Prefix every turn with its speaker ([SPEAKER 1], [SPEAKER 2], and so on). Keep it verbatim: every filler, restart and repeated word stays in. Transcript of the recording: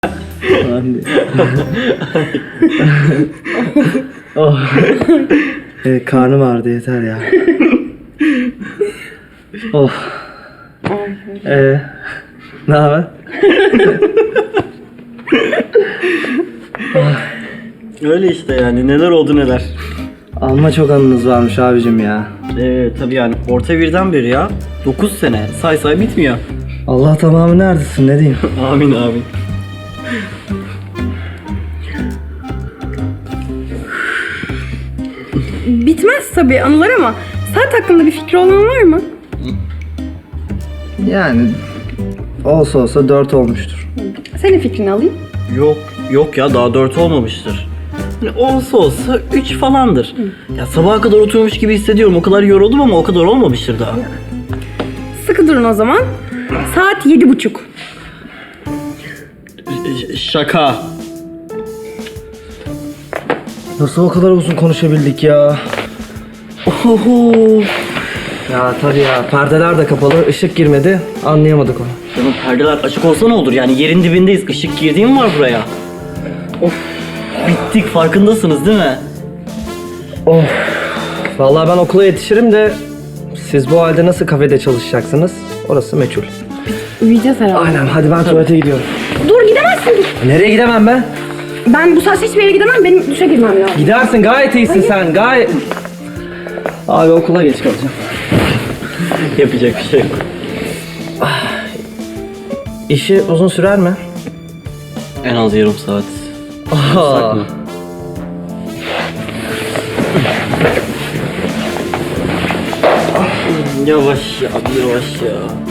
[SPEAKER 1] Oh. Evet, karnım ağrıdı, yeter ya. Oh. Ee, ne haber?
[SPEAKER 2] Öyle işte yani, neler oldu neler.
[SPEAKER 1] Amma çok anınız varmış abicim ya.
[SPEAKER 2] Ee, tabii yani orta birden beri ya. dokuz sene say say bitmiyor.
[SPEAKER 1] Allah tamamı neredesin, ne diyeyim?
[SPEAKER 2] Amin amin.
[SPEAKER 3] Bitmez tabii anılar ama saat hakkında bir fikri olan var mı?
[SPEAKER 1] Yani olsa olsa dört olmuştur.
[SPEAKER 3] Senin fikrini alayım.
[SPEAKER 2] Yok yok ya, daha dört olmamıştır. Hani olsa olsa üç falandır. Ya sabaha kadar oturmuş gibi hissediyorum. O kadar yoruldum ama o kadar olmamıştır daha.
[SPEAKER 3] Sıkı durun o zaman. Saat yedi buçuk.
[SPEAKER 2] Ş- şaka.
[SPEAKER 1] Nasıl o kadar uzun konuşabildik ya?
[SPEAKER 2] Oho.
[SPEAKER 1] Ya tabii ya, perdeler de kapalı, ışık girmedi, anlayamadık onu.
[SPEAKER 2] Canım perdeler açık olsa ne olur? Yani yerin dibindeyiz. Işık girdiği mi var buraya? Of. Bittik, farkındasınız değil mi?
[SPEAKER 1] Oh. Vallahi ben okula yetişirim de siz bu halde nasıl kafede çalışacaksınız? Orası meçhul.
[SPEAKER 3] Uyuyacağız herhalde.
[SPEAKER 1] Aynen, hadi ben tuvalete gidiyorum.
[SPEAKER 3] Dur gidemezsin.
[SPEAKER 1] Nereye gidemem ben?
[SPEAKER 3] Ben bu saatte hiçbir yere gidemem. Benim duşa girmem lazım.
[SPEAKER 1] Gidersin, gayet iyisin sen, gayet... Abi okula geç kalacağım.
[SPEAKER 2] Yapacak bir şey yok.
[SPEAKER 1] İşi uzun sürer mi?
[SPEAKER 2] En az yarım saat.
[SPEAKER 1] Aha.
[SPEAKER 2] mı? Yavaş ya, yavaş ya.